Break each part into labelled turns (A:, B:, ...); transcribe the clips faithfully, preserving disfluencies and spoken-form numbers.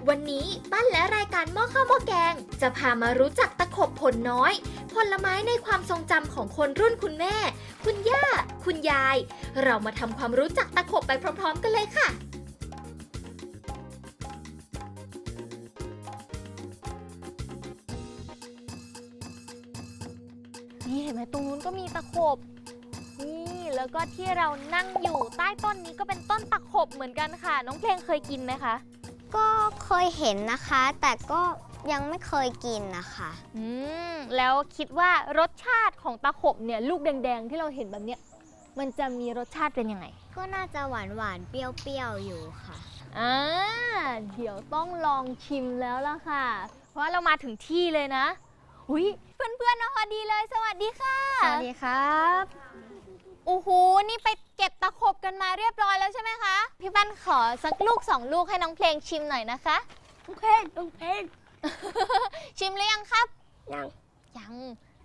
A: วันนี้ปั้นและรายการหม้อข้าวหม้อแกงจะพามารู้จักตะขบผลน้อย ผลไม้ในความทรงจำของคนรุ่นคุณแม่ คุณย่า คุณยาย เรามาทำความรู้จักตะขบไปพร้อมๆกันเลยค่ะนี่เห็นไหมตรงนู้นก็มีตะขบนี่แล้วก็ที่เรานั่งอยู่ใต้ต้นนี้ก็เป็นต้นตะขบเหมือนกันค่ะน้องเพลงเคยกินไหมคะ
B: ก็เคยเห็นนะคะแต่ก็ยังไม่เคยกินนะคะ
A: อืมแล้วคิดว่ารสชาติของตะขบเนี่ยลูกแดงๆที่เราเห็นแบบเนี้ยมันจะมีรสชาติเป็นยังไง
B: ก็น่าจะหวานหวานเปรี้ยวๆอยู่ค่ะ
A: อ่าเดี๋ยวต้องลองชิมแล้วล่ะค่ะเพราะเรามาถึงที่เลยนะอุ้ยเพื่อนๆมาพอดีเลยสวัสดีค่ะ
B: สวัสดีครับ
A: โอ้โหนี่ไปเก็บตะขบกันมาเรียบร้อยแล้วใช่ไหมคะพี่ปั้นขอสักลูกสองลูกให้น้องเพลงชิมหน่อยนะคะ
B: โอเคน้องเพลง
A: ชิมหรือยังครับ
B: ยัง
A: ยัง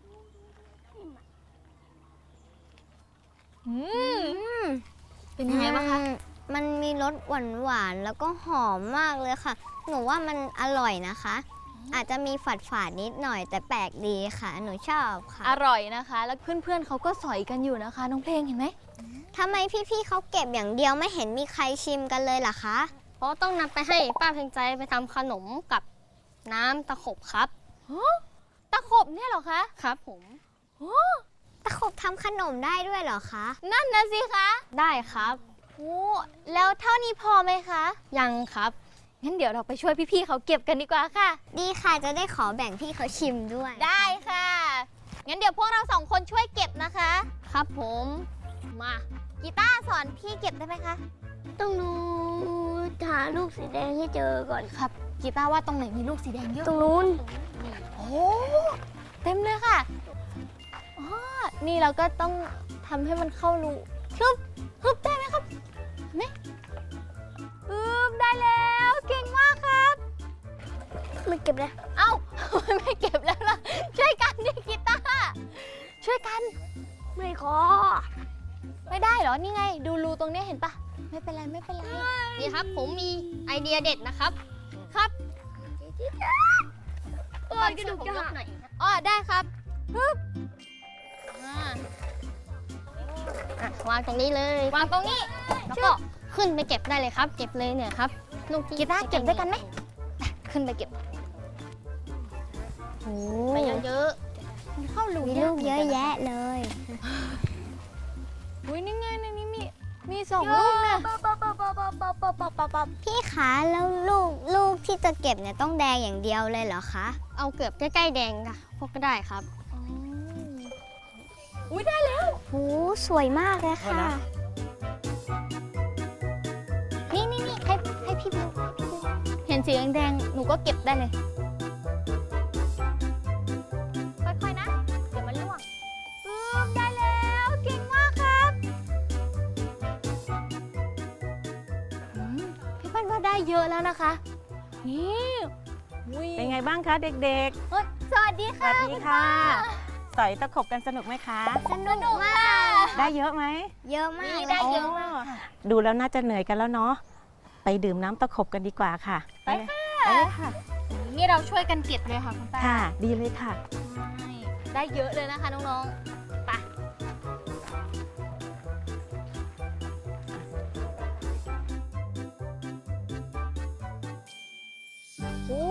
A: อืมเป็นยังไงบ้างคะ
B: มันมีรสหวานหวานแล้วก็หอมมากเลยค่ะหนูว่ามันอร่อยนะคะอาจจะมีฝาดฝาดนิดหน่อยแต่แปลกดีค่ะหนูชอบค่ะ
A: อร่อยนะคะแล้วเพื่อนๆเขาก็สอยกันอยู่นะคะน้องเพลงเห็นไหม
B: ทำไมพี่ๆเขาเก็บอย่างเดียวไม่เห็นมีใครชิมกันเลยล่ะคะ
C: เพราะต้องนำไปให้ป้าเพ็งใจไปทำขนมกับน้ำตะขบครับ
A: ตะขบเนี่ยเหรอคะ
C: ครับผม
B: ตะขบทำขนมได้ด้วยเหรอคะ
A: นั่นนะสิคะ
C: ได้ครับ
A: โอ้แล้วเท่านี้พอไหมคะ
C: ยังครับ
A: งั้นเดี๋ยวเราไปช่วยพี่ๆเขาเก็บกันดีกว่าค่ะ
B: ดีค่ะจะได้ขอแบ่งพี่เขาชิมด้วย
A: ได้ค่ะงั้นเดี๋ยวพวกเราสองคนช่วยเก็บนะคะ
C: ครับผม
A: มากีตาร์สอนพี่เก็บได้ไหมคะ
B: ต้องดูหาลูกสีแดงให้เจอก่อน
A: ครับกีตาร์ว่าตรงไหนมีลูกสีแดงเยอะ
B: ตรงนู้น
A: โอ้เต็มเลยค่ะอ๋อนี่เราก็ต้องทำให้มันเข้ารูฮึบฮึบได้ไหมครับไหมฮึบได้แล้วเก่งมากครับ
B: ไม่เก็บเลย
A: เอ้าไม่เก็บแล้วล่ะช่วยกันดิกีตาร์ช่วยกัน
B: ไม่ขอ
A: ไม่ได้เหรอนี่ไงดูรูตรงนี้เห็นปะไม่เป็นไรไม่เป็นไร
C: นี่ครับผมมีไอเดียเด็ดนะครับ
A: ครับ
C: เออกระดูกจะหักหน่อย
A: อ๋อได้ครับฮึบ
C: วางตรงนี้เลยว
A: างตรงนี้
C: แล้วก็ขึ้นไปเก็บได้เลยครับเก็บเลยเนี่ยครับ
A: ลูกกีตาร์เก็บด้วยกันไหมขึ้นไปเก็บ
C: ไปเยอะ
B: ๆเข้ารูมีลูกเยอะแยะเลย
A: อุ้ยนี่ไงในนี้มีมีสองลูกเนี่ย
B: พี่คะแล้วลูกลูกที่จะเก็บเนี่ยต้องแดงอย่างเดียวเลยเหรอคะ
C: เอาเกือบใกล้ๆแดงค่ะพวกก็ได้ครับ
A: อุ้ยได้แล้ว
B: โหสวยมากเลยค่ะ
A: นี่นี่นี่ให้ให้พี่ดูเห็นสีแดงๆหนูก็เก็บได้เลยค่อยๆนะเดี๋ยวมันร่วงอืมได้แล้วเก่งมากครับพี่ปั้นว่าได้เยอะแล้วนะคะนี่
D: เป็นไงบ้างคะเด็ก
A: ๆสวัสดีค่ะ
D: สวัสดีค่ะสอยตะขบกันสนุกไหมคะ
B: สนุกมาก
D: ได้เยอะไหม
B: เยอะมาก
A: ได้เยอะมาก
D: ดูแล้วน่าจะเหนื่อยกันแล้วเนาะไปดื่มน้ำตะขบกันดีกว่าค่ะ
A: ไปค่ะไปเลยค่ะนี่เราช่วยกันเก็บเลยค่ะคุณป้า
D: ค่ะดีเลยค่ะ
A: ได้เยอะเลยนะคะน้องๆไปโอ้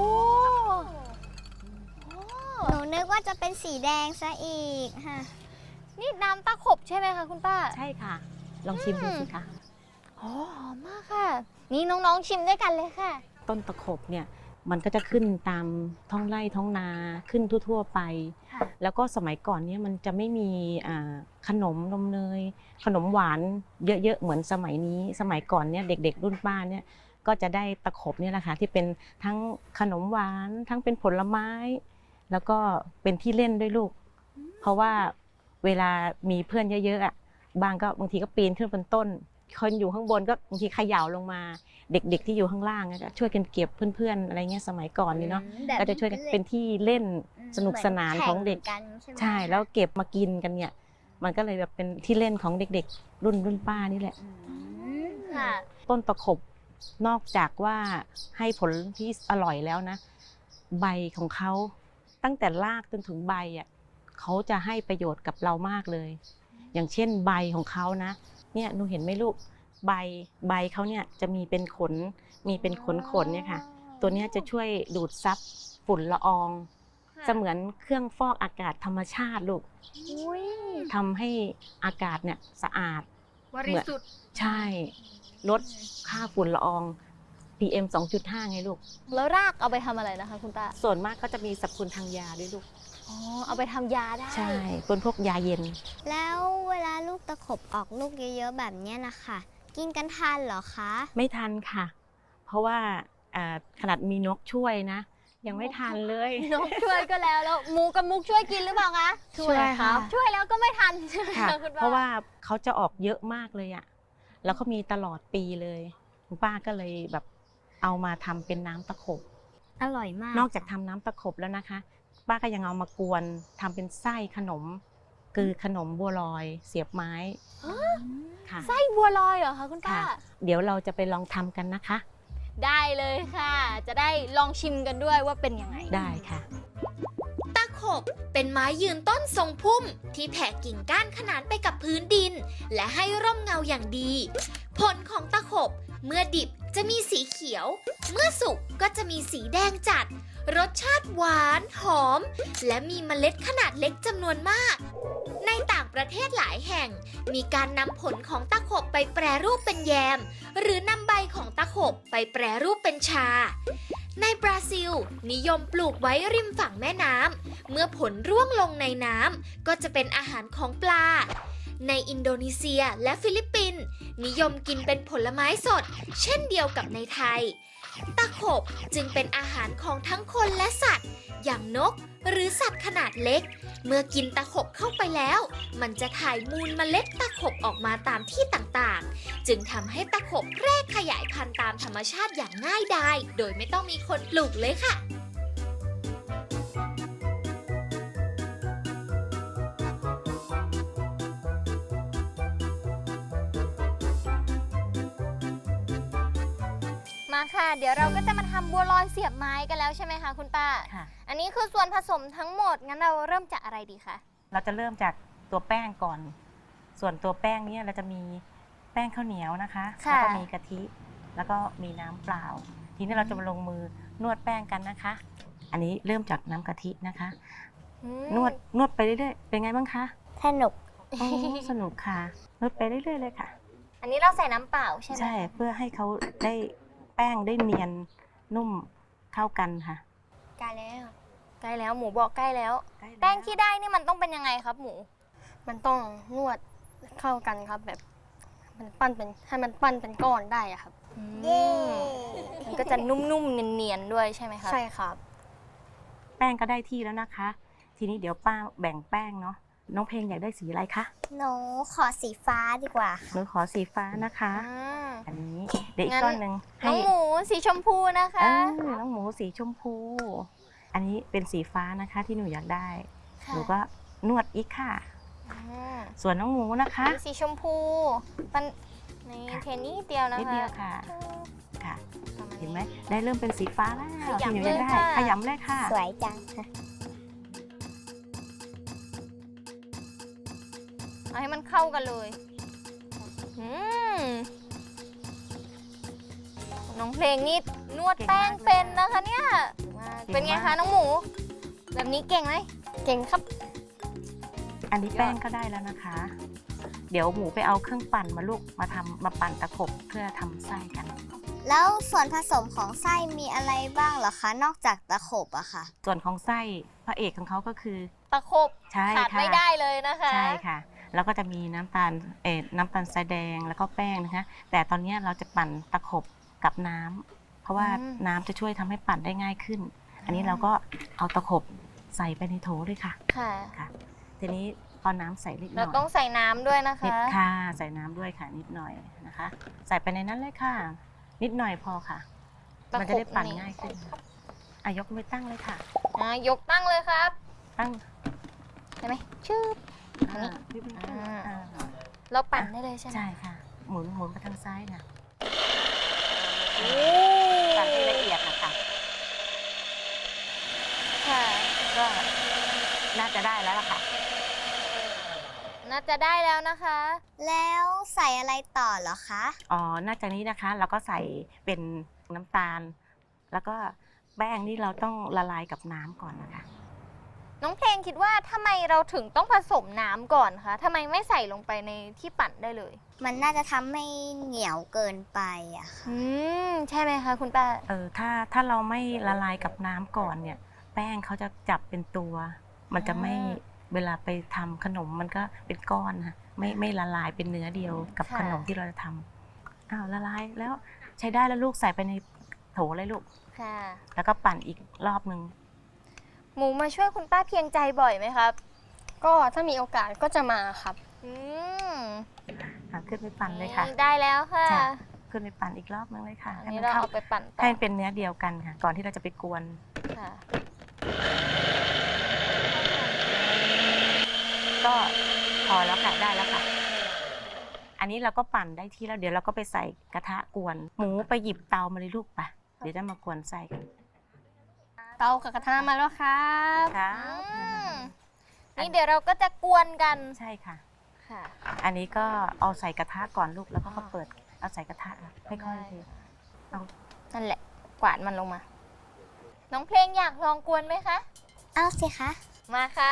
B: หนูนึกว่าจะเป็นสีแดงซะอีกค่ะ
A: นี่น้ำตะขบใช่ไหมคะคุณป้า
D: ใช่ค่ะลองชิมดูสิคะ
A: หอมมากค่ะนี่น้องๆชิมด้วยกันเลยค่ะ
D: ต้นตะขบเนี่ยมันก็จะขึ้นตามท้องไร่ท้องนาขึ้นทั่วๆไปแล้วก็สมัยก่อนเนี่ยมันจะไม่มีขนมนมเนยขนมหวานเยอะๆเหมือนสมัยนี้สมัยก่อนเนี่ยเด็กๆรุ่นป้าเนี่ยก็จะได้ตะขบเนี่ยแหละค่ะที่เป็นทั้งขนมหวานทั้งเป็นผลไม้แล้วก็เป็นที่เล่นด้วยลูกเพราะว่าเวลามีเพื่อนเยอะๆอ่ะบางก็บางทีก็ปีนขึ้นบนต้นคนอยู่ข้างบนก็บางทีเขย่าลงมาเด็กๆที่อยู่ข้างล่างก็ช่วยกันเก็บเพื่อนๆอะไรเงี้ยสมัยก่อนนี่เนาะก็จะช่วยกันเป็นที่เล่นสนุกสนานของเด็กใช่แล้วเก็บมากินกันเนี่ยมันก็เลยแบบเป็นที่เล่นของเด็กๆรุ่นรุ่นป้านี่แหละต้นตะขบนอกจากว่าให้ผลที่อร่อยแล้วนะ ใบของเขาตั้งแต่รากจนถึงใบอ่ะเขาจะให้ประโยชน์กับเรามากเลย อย่างเช่นใบของเขานะเนี่ยหนูเห็นไหมลูกใบใบเขาเนี่ยจะมีเป็นขนมีเป็นขนขนเนี่ยค่ะ ตัวเนี้ยจะช่วยดูดซับฝุ่นละอองเสมือนเครื่องฟอกอากาศธรรมชาติลูก
A: อุ้ย
D: ทำให้อากาศเนี่ยสะอาด
C: บริสุทธิ์
D: ใช่ลดค่าฝุ่นละออง พี เอ็ม สองจุดห้า ไงลูก
A: แล้วรากเอาไปทำอะไรนะคะคุณป้า
D: ส่วนมากก็จะมีสรรพคุณทางยาด้วยลูก
A: อ๋อ เอาไปทำยาได้
D: ใช่เป็นพวกยาเย็น
B: แล้วเวลาลูกตะขบออกลูกเยอะๆแบบเนี้ยนะคะกินกันทันเหรอคะ
D: ไม่ทันค่ะ เพราะว่าอ่าขนาดมีนกช่วยนะ ยังไม่ทันเลย
A: นกช่วยก็แล้ว แล้วหมูกับมุกช่วยกินหรือเปล่าคะ
D: ช่วยครับ
A: ช่วยแล้วก็ไม่ทันใช่ไหม
D: ค่ะ
A: คะคุณป้า
D: เพราะว่าเขาจะออกเยอะมากเลยอะแล้วเขามีตลอดปีเลยคุณป้าก็เลยแบบเอามาทำเป็นน้ำตะขบ
B: อร่อยมาก
D: นอกจากทำน้ำตะขบแล้วนะคะ ป้าก็ยังเอามากวนทำเป็นไส้ขนม คือขนมบัวลอยเสียบไม้ค่ะ
A: ไส้บัวลอยเหรอคะคุณป้า
D: ค่ะ เดี๋ยวเราจะไปลองทำกันนะคะ
A: ได้เลยค่ะ จะได้ลองชิมกันด้วยว่าเป็นยังไง
D: ได้ค่ะ
E: ตะขบเป็นไม้ยืนต้นทรงพุ่มที่แผ่กิ่งก้านขนานไปกับพื้นดิน และให้ร่มเงาอย่างดี ผลของตะขบเมื่อดิบจะมีสีเขียว เมื่อสุกก็จะมีสีแดงจัด รสชาติหวานหอม และมีเมล็ดขนาดเล็กจำนวนมาก ในต่างประเทศหลายแห่ง มีการนำผลของตะขบไปแปรรูปเป็นแยม หรือนำใบของตะขบไปแปรรูปเป็นชา ในบราซิล นิยมปลูกไว้ริมฝั่งแม่น้ำ เมื่อผลร่วงลงในน้ำก็จะเป็นอาหารของปลา ในอินโดนีเซียและฟิลิปปินส์นิยมกินเป็นผลไม้สด เช่นเดียวกับในไทย ตะขบจึงเป็นอาหารของทั้งคนและสัตว์ อย่างนกหรือสัตว์ขนาดเล็ก เมื่อกินตะขบเข้าไปแล้ว มันจะถ่ายมูลเมล็ดตะขบออกมาตามที่ต่างๆ จึงทำให้ตะขบแพร่ขยายพันธุ์ตามธรรมชาติอย่างง่ายดาย โดยไม่ต้องมีคนปลูกเลยค่ะ
A: มาค่ะ เดี๋ยวเราก็จะมาทำบัวลอยเสียบไม้กันแล้วใช่ไหมคะคุณป้า
D: ค่ะ
A: อันนี้คือส่วนผสมทั้งหมด งั้นเราเริ่มจากอะไรดีคะ
D: เราจะเริ่มจากตัวแป้งก่อน ส่วนตัวแป้งเนี่ยเราจะมีแป้งข้าวเหนียวนะคะ
A: ค่ะ
D: แล้วก็มีกะทิ แล้วก็มีน้ำเปล่า ทีนี้เราจะมาลงมือนวดแป้งกันนะคะ อันนี้เริ่มจากน้ำกะทินะคะ
A: อืม
D: นวดนวดไปเรื่อยๆ เป็นไงบ้างคะ
B: สนุก
D: โอ้สนุกค่ะ นวดไปเรื่อยๆเลยค่ะ
A: อันนี้เราใส่น้ำเปล่าใช่ไหม
D: ใช่เพื่อให้เขาได้แป้งได้เนียนนุ่มเข้ากันค่ะ
A: ใกล้แล้ว ใกล้แล้วหมูบอกใกล้แล้ว
D: ใกล้ล้ว
A: แป้งที่ได้นี่มันต้องเป็นยังไงครับหมู
C: มันต้องนวดเข้ากันครับแบบ มันปั้นเป็นให้มันปั้นเป็นก้อนได้อะครับ
A: เย้มันก็จะนุ่มๆเนียนๆด้วยใช่ไหมครับ
C: ใช่ครับ
D: แป้งก็ได้ที่แล้วนะคะ ทีนี้เดี๋ยวป้าแบ่งแป้งเนาะ น้องเพลงอยากได้สีอะไรคะ
B: หนูขอสีฟ้าดีกว่า
D: หนูขอสีฟ้านะคะ
A: อ่า
D: อันนี้เดี๋ยวอี
A: งั้
D: ก
A: น
D: ก้อนหนึ่ง
A: น้
D: ให้
A: องหมูสีชมพูนะคะ
D: เออน้องหมูสีชมพู อันนี้เป็นสีฟ้านะคะที่หนูอยากได้
A: ค่ะ
D: หนูก็นวดอีกค่ะ
A: อ่า
D: ส่วนน้องหมูนะคะ
A: สีชมพูมันใน
D: ค่ะ
A: เทนนิดเดียวนะคะ
D: นิดเดียวค่ะ ค่ะ
A: ประาณ
D: เห็น
A: นี้
D: ไหมได้เริ่มเป็นสีฟ้าแล้ว
A: ขยำ
D: ที่หนูอยากได้
A: เลยค่ะ
D: ขยำเลยค่ะ
B: สวยจัง
A: เอาให้มันเข้ากันเลยอืมน้องเพลงนี่นวดแป้งเป็นนะคะเนี่ย เป็นไงคะน้องหมู แบบนี้เก่งไหม
C: เก่งครับ
D: อันนี้แป้งก็ได้แล้วนะคะ เดี๋ยวหมูไปเอาเครื่องปั่นมาลูกมาทำมาปั่นตะขบเพื่อทำไส้กัน
B: แล้วส่วนผสมของไส้มีอะไรบ้างเหรอคะ นอกจากตะขบอะค่ะ
D: ส่วนของไส้พระเอกของเขาก็คือ
A: ตะขบ
D: ใช่
A: ขาด
D: ค่ะ
A: ไม่ได้เลยนะคะ
D: ใช่ค่ะ แล้วก็จะมีน้ำตาลเอ่อน้ำตาลทรายแดงแล้วก็แป้งนะคะ แต่ตอนนี้เราจะปั่นตะขบกับน้ำเพราะว่า
A: อืม
D: น้ำจะช่วยทำให้ปั่นได้ง่ายขึ้น อันนี้เราก็เอาตะขบใส่ไปในโถเลยค่ะ
A: ค่ะ
D: ค่ะ ทีนี้พอน้ำใส่เล็กน้
A: เรา
D: อย
A: ต้องใส่น้ำด้วยนะ
D: นิด
A: คะ
D: ค่ะใส่น้ำด้วยค่ะนิดหน่อยนะคะ ใส่ไปในนั้นเลยค่ะ นิดหน่อยพอค่ะ
A: ตะขบ
D: มันจะได้ปั่น
A: นี่
D: ง่ายขึ้นอ่ะยกมือตั้งเลยค่ะ
A: อ่ะยกตั้งเลยครับ
D: ตั้ง
A: ได้ไหมชื่อ อันนี้
D: าพี่เป็น
A: อ่า
D: อ่า
A: เราปั่นได้เลยใช่ไหม
D: ใช่ค่ะ หมุนหมุนไปทางซ้ายค่ะปั่นให้ละเอียดนะคะ
A: ค่ะ
D: ก็น่าจะได้แล้วล่ะค่ะ
A: น่าจะได้แล้วนะคะ
B: แล้วใส่อะไรต่อเหรอคะ
D: อ๋อนอกจากนี้นะคะเราก็ใส่เป็นน้ำตาล แล้วก็แป้งนี่เราต้องละลายกับน้ำก่อนนะคะ
A: น้องเพลงคิดว่าทำไมเราถึงต้องผสมน้ำก่อนคะทำไมไม่ใส่ลงไปในที่ปั่นได้เลย
B: มันน่าจะทำให้เหนียวเกินไปอะค่ะ
A: อืม ใช่ไหมคะคุณป้า
D: เออถ้าถ้าเราไม่ละลายกับน้ำก่อนเนี่ย แป้งเขาจะจับเป็นตัว มันจะไม่
A: อ่า
D: เวลาไปทำขนมมันก็เป็นก้อนค่ะไม่ไม่ละลายเป็นเนื้อเดียวกับ
A: ค่ะ
D: ขนมที่เราจะทำอ้าวละลายแล้วใช้ได้แล้วลูกใส่ไปในโถเลยลูก
A: ค่ะ
D: แล้วก็ปั่นอีกรอบนึง
A: หมูมาช่วยคุณป้าเพียงใจบ่อยไหมครับ
C: ก็ถ้ามีโอกาสก็จะมาครับ
A: อืม
D: อ่ะขึ้นไปปั่นเลยค่ะ
A: ได้แล้วค่ะ
D: จ้ะ ขึ้นไปปั่นอีกรอบนึงเลยค่ะ
A: อัน
D: ให้
A: นี้
D: มัน
A: เรา
D: เข้า
A: เอาไปปั่นต่อ
D: ให้มันเป็นเนื้อเดียวกันค่ะ ก่อนที่เราจะไปกวน
A: ค่ะ
D: ก็พอแล้วค่ะได้แล้วค่ะ อันนี้เราก็ปั่นได้ที่แล้วเดี๋ยวเราก็ไปใส่กระทะกวน หมูไปหยิบเตามาเลยลูกไปเดี๋ยวจะมากวนใส่กัน
C: เตากับกระทะมาแล้วครับ
D: ครับ
A: อืมนี่เดี๋ยวเราก็จะกวนกัน
D: ใช่ค่ะ
A: ค่ะ
D: อันนี้ก็เอาใส่กระทะก่อนลูกแล้วก็มาเปิดเอาใส่กระทะค่อยๆเทเอา
A: นั่นแหละ กวาดมันลงมา น้องเพลงอยากลองกวนไหมคะ
B: เอาสิคะ
A: มาค่ะ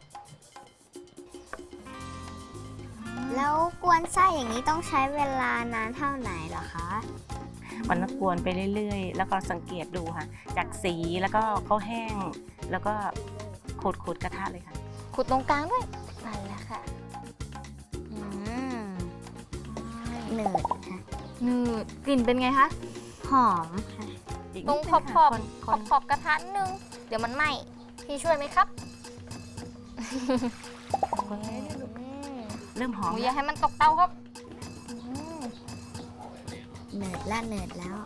B: แล้วกวนไส้อย่างนี้ต้องใช้เวลานานเท่าไหร่เหรอคะ
D: มันก็กวนไปเรื่อยๆ แล้วก็สังเกตดูค่ะ จากสีแล้วก็เขาแห้ง แล้วก็ขูดขูดๆกระทะเลยค่ะ
A: ขุดตรงกลางด้วยนั่นแหละค่ะ
B: อืมหนืดค่ะ
A: นืดกลิ่นเป็นไงคะ
B: หอมค่ะ
D: อีก
A: ตร
D: นิ
A: ง
D: ด
A: ข
D: นึ
A: อบ
D: ง
A: ขอบ
D: ค่ะ
A: ข
D: ค
A: อน บขอบกระทะนิดนึง เดี๋ยวมันไหม้พี่ช่วยไหมครับ
D: ๆคนให้ลูก
A: อืม
D: เริ่มห
A: ห
D: อม
A: มูอ
D: แล้
A: ย่าว ให้มันตกเตาครับอืม
B: เหนืดละเหนืดแล้ว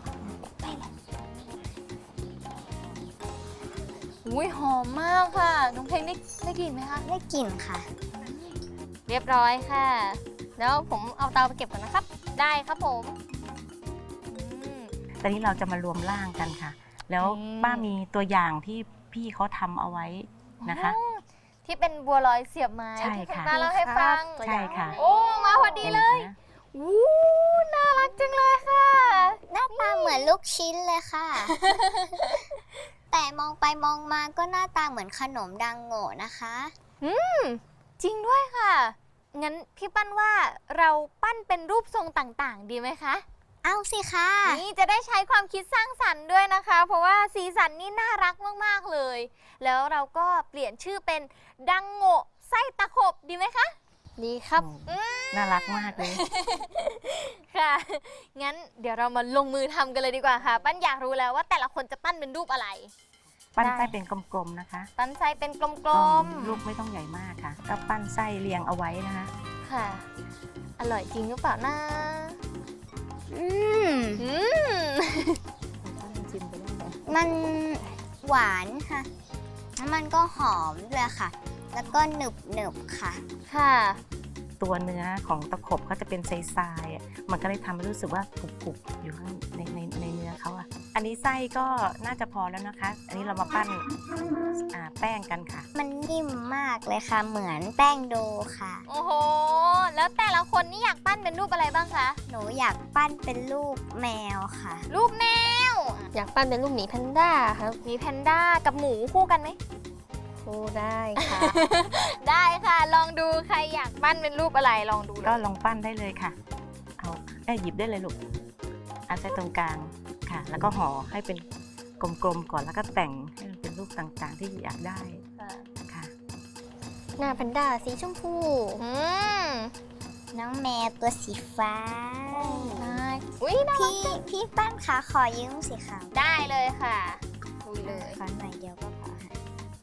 A: อุ้ยหอมมากค่ะ น้องเพลงได้ได้กลิ่นไหมคะ
B: ได้กลิ่นค่ะ
A: เรียบร้อยค่ะ แล้วผมเอาเตาไปเก็บก่อนนะครับ ได้ครับผมอืม
D: ตอนนี้เราจะมารวมร่างกันค่ะ แล้ว
A: อืม
D: ป้ามีตัวอย่างที่พี่เขาทำเอาไว้นะคะ
A: อ๋อที่เป็นบัวลอยเสียบไม้
D: ใช่
A: ที่คุณ
D: ค่ะ
A: ป้าเล่าให้ฟัง
D: ใช่ค่ะ
A: โอ้ มาพอดีเลย
D: ห็นไหม
A: วู้น่ารักจังเลยค่ะ
B: หน้าตาเหมือนลูกชิ้นเลยค่ะ แต่มองไปมองมาก็หน้าตาเหมือนขนมดังโง่นะคะ
A: จริงด้วยค่ะ งั้นพี่ปั้นว่าเราปั้นเป็นรูปทรงต่างๆ ดีไหมคะ
B: เอาสิคะ
A: นี่จะได้ใช้ความคิดสร้างสรรค์ด้วยนะคะ เพราะว่าสีสันนี่น่ารักมากๆเลย แล้วเราก็เปลี่ยนชื่อเป็นดังโง่ไส้ตะขบดีไหมคะ
C: ดีครับ
D: โอ้น่ารักมากเลย
A: ค่ะ งั้นเดี๋ยวเรามาลงมือทำกันเลยดีกว่าค่ะ ปั้นอยากรู้แล้วว่าแต่ละคนจะปั้นเป็นรูปอะไร
D: ปั้น
A: ได้
D: ไส้เป็นกลมๆนะคะ
A: ปั้นไส้เป็นกล
D: ก็
A: ม
D: ลูกไม่ต้องใหญ่มากค่ะ ก็ปั้นไส้เรียงเอาไว้นะคะ
A: ๆ ค่ะ อร่อยจริงหรือเปล่านะ
B: อืม
A: อืม
D: ชิมไปได้เลย
B: มันหวานค่ะ แล้วมันก็หอมด้วยค่ะ แล้วก็หนึบหนึบๆค่ะ
A: ค่ะ
D: ตัวเนื้อของตะขบเขาจะเป็นทรายๆอ่ะมันก็เลยทำให้รู้สึกว่ากรุบๆอยู่ข้างในในในเนื้อเขาอ่ะ อันนี้ไส้ก็น่าจะพอแล้วนะคะ อันนี้เรามาปั้นอ่าแป้งกันค่ะ
B: มันนิ่มมากเลยค่ะ เหมือนแป้งโดค่ะ
A: โอ้โห แล้วแต่ละคนนี่อยากปั้นเป็นรูปอะไรบ้างคะ
B: หนูอยากปั้นเป็นรูปแมวค่ะ
A: รูปแมว
C: อยากปั้นเป็นรูปหมีแพนด้าครับ
A: มีแพนด้ากับหมูคู่กันไหม
C: โอ้ได้ค่ะ
A: ได้ค่ะ ลองดูใครอยากปั้นเป็นรูปอะไรลองดูเล
D: ก็
A: ย
D: ลองปั้นได้เลยค่ะ เอาเอ้ยหยิบได้เลยลูกเอาใส่ตรงกลางค่ะ แล้วก็ห่อให้เป็นกลมๆก่อนแล้วก็แต่งให้มันเป็นรูปต่างๆที่อยากได้ค่ะ
C: หน้าแพนด้าสีชมพู
A: อืม
B: น้องแมวตัวสีฟ้า
A: ได้อุ้ยน่ารัก
B: พี่พี่ปั้นขาขอยืมสิคะ
A: ได้เลยค่ะดูเลย
B: ขอหน่อยเดียวก็พอค่ะ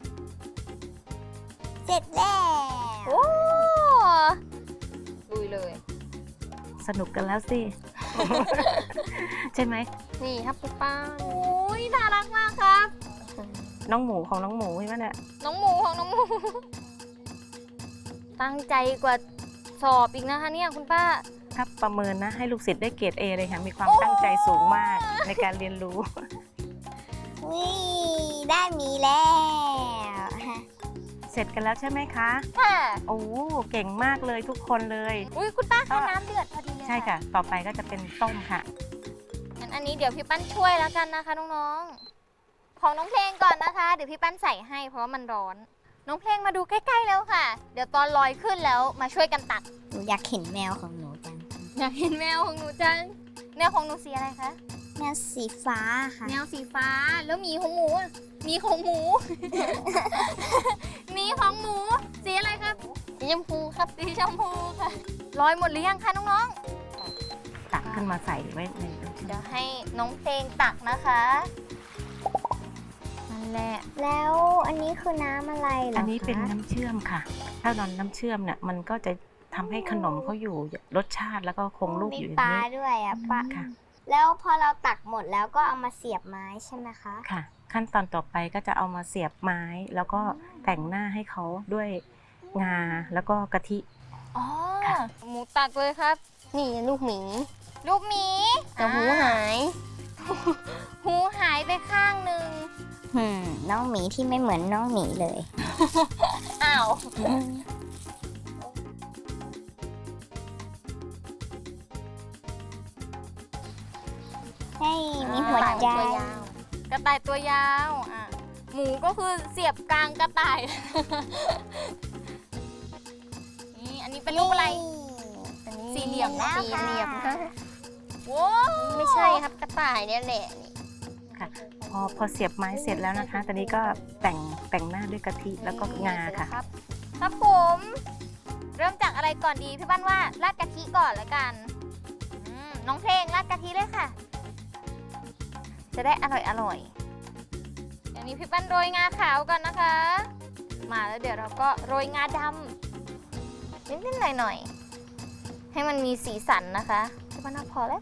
B: เสร็จแล้ว
A: โอ้ลุยเลย
D: สนุกกันแล้วสิ ใช่ไหม
C: นี่ครับคุณป้า
A: โอ้ยน่ารักมากครับ
D: น้องหมูของน้องหมูใช่ไหมเนี่ย
A: น้องหมูของน้องหมู ตั้งใจกว่าสอบอีกนะคะเนี่ยคุณป้า
D: ถ้าประเมินนะให้ลูกศิษย์ได้เกรด เอ เลยค่ะมีความตั้งใจสูงมากในการเรียนรู้
B: นี่ได้หมีแล้ว
D: เสร็จกันแล้วใช่ไหมคะ
A: ค่ะ
D: โอ้เก่งมากเลยทุกคนเลย
A: อุ้ยคุณป้าคะน้ำเดือดพอดีเลย
D: ใช่ค่ะ ต่อไปก็จะเป็นต้มค่ะ
A: งั้นอันนี้เดี๋ยวพี่ปั้นช่วยแล้วกันนะคะน้องๆ ของน้องเพลงก่อนนะคะ เดี๋ยวพี่ปั้นใส่ให้เพราะว่ามันร้อน น้องเพลงมาดูใกล้ๆแล้วค่ะ เดี๋ยวตอนลอยขึ้นแล้วมาช่วยกันตัก
B: หนูอยากเห็นแมวของหนูจัง
A: อยากเห็นแมวของหนูจังแมวของหนูสีอะไรคะ
B: แมวสีฟ้าค่ะ
A: แมวสีฟ้า แล้วหมีของหมูอะหมีของหมู หมีของหมู สีอะไรครับ
C: สีชมพูครับ
A: สีชมพูค่ะลอยหมดหรือยังคะน้อง
D: ตักขึ้นมาใส่ไว้ใน
A: ๆ เดี๋ยวให้น้องเพลงตักนะคะนั่นแหละ
B: แล้วอันนี้คือน้ำอะไรเหรอคะ
D: อันนี้เป็นน้ำเชื่อมค่ะ ถ้าเราน้ำเชื่อมเนี่ยมันก็จะทำให้ขนมเขาอยู่รสชาติแล้วก็คงรูป
B: มี
D: อยู่อ
B: ป
D: ย่าง
B: ลา
D: นี้
B: ด้วยอ่ะปลา
D: ค่ะ
B: แล้วพอเราตักหมดแล้วก็เอามาเสียบไม้ใช่ไหมคะ
D: ค่ะ ขั้นตอนต่อไปก็จะเอามาเสียบไม้ แล้วก็แต่งหน้าให้เขาด้วยงาแล้วก็กะทิ
A: อ๋อ
D: ค่ะ
A: หมูตักเลยครับ
C: นี่ลูกหมี
A: ลูกหมี
C: แต่หูหาย
A: หูหายไปข้างหนึ่ง
B: หืมน้องหมีที่ไม่เหมือนน้องหมีเลย
A: อ้าว
B: ให้ มีหัวใจ
A: ตัวยาว กระต่ายตัวยาวอ่ะหมูก็คือเสียบกลางกระต่าย นี่อันนี้เป็นรูปอะไร
C: อันนี้
A: สี่เหลี่ยม
B: แล้ว
C: สี่เหลี่ยม
B: ค่ะ
C: ค่ะ
A: โว้
C: ไม่ใช่ครับกระต่ายเนี่ยแหละนี่
D: ค่ะ พอพอเสียบไม้เสร็จแล้วนะคะ ตอนนี้ก็แต่งแต่งหน้าด้วยกะทิแล้วก็งาค่ะ
A: ครับครับผม เริ่มจากอะไรก่อนดีพี่บ้านว่าราดกะทิก่อนแล้วกันอืมน้องเพลงราดกะทิเลยค่ะ จะได้อร่อยอร่อยอย่างนี้พี่ปั้นโรยงาขาวก่อนนะคะ มาแล้วเดี๋ยวเราก็โรยงาดำนิดๆหน่อยๆให้มันมีสีสันนะคะพี่ปั้นว่าพอแล้ว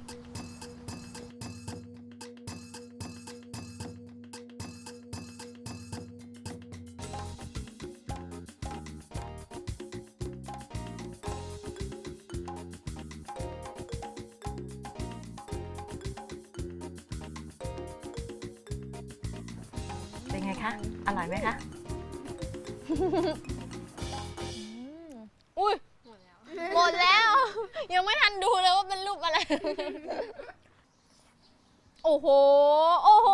D: เป็นไงคะ อร่อยไหมคะ
A: อุ้ยหมดแล้ว ยังไม่ทันดูเลยว่าเป็นรูปอะไร โอ้โห โอ้โห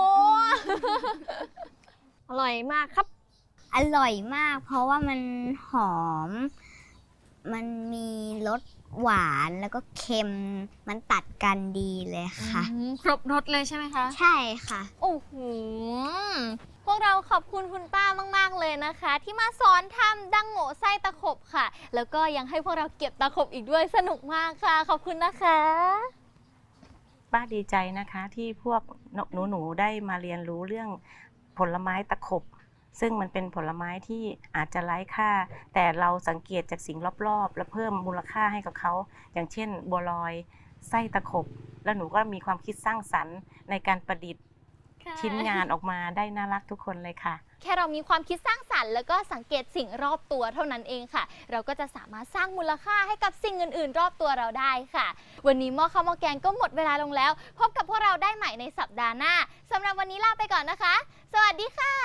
C: อร่อยมากครับ
B: อร่อยมาก เพราะว่ามันหอม มันมีรสหวานแล้วก็เค็ม มันตัดกันดีเลยค่ะ
A: ครบรสเลยใช่ไหมคะ
B: ใช่ค่ะ
A: โอ้โห พวกเราขอบคุณคุณป้ามาก ๆ เลยนะคะ ที่มาสอนทำดังโง่ไส้ตะขบค่ะ แล้วก็ยังให้พวกเราเก็บตะขบอีกด้วยสนุกมากค่ะ ขอบคุณนะคะ
D: ป้าดีใจนะคะที่พวกหนูๆได้มาเรียนรู้เรื่องผลไม้ตะขบ ซึ่งมันเป็นผลไม้ที่อาจจะไร้ค่า แต่เราสังเกตจากสิ่งรอบๆ และเพิ่มมูลค่าให้กับเขา อย่างเช่นบัวลอยไส้ตะขบ แล้วหนูก็มีความคิดสร้างสรรค์ในการประดิษฐ์ชิ้นงานออกมาได้น่ารักทุกคนเลยค่ะ
A: แค่เรามีความคิดสร้างสรรค์แล้วก็สังเกตสิ่งรอบตัวเท่านั้นเองค่ะ เราก็จะสามารถสร้างมูลค่าให้กับสิ่งอื่น ๆ รอบตัวเราได้ค่ะ วันนี้หม้อข้าวหม้อแกงก็หมดเวลาลงแล้ว พบกับพวกเราได้ใหม่ในสัปดาห์หน้าสำหรับวันนี้ลาไปก่อนนะคะ สวัสดีค่ะ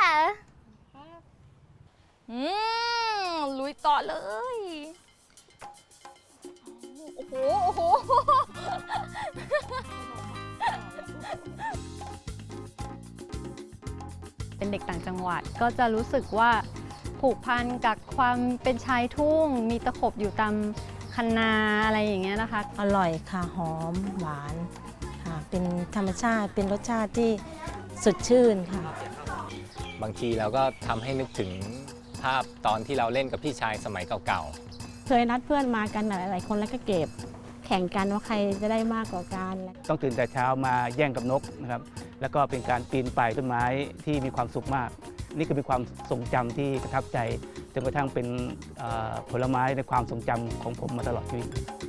A: อืมลุยต่อเลย โอ้โหโอ้โห
F: เป็นเด็กต่างจังหวัดก็จะรู้สึกว่าผูกพันกับความเป็นชายทุ่ง มีตะขบอยู่ตามคันนาอะไรอย่างเงี้ยนะคะ
G: อร่อยค่ะ หอมหวานค่ะ เป็นธรรมชาติเป็นรสชาติที่สดชื่นค่ะ
H: บางทีเราก็ทำให้นึกถึงภาพตอนที่เราเล่นกับพี่ชายสมัยเก่าๆ
G: เคยนัดเพื่อนมากันหลายๆคนแล้วก็เก็บแข่งกันว่าใครจะได้มากกว่ากัน
I: ต้องตื่นแต่เช้ามาแย่งกับนกนะครับ แล้วก็เป็นการปีนป่ายต้นไม้ที่มีความสุขมาก นี่คือเป็นความทรงจำที่ประทับใจจนกระทั่งเป็นเอ่อผลไม้ในความทรงจำของผมมาตลอดชีวิต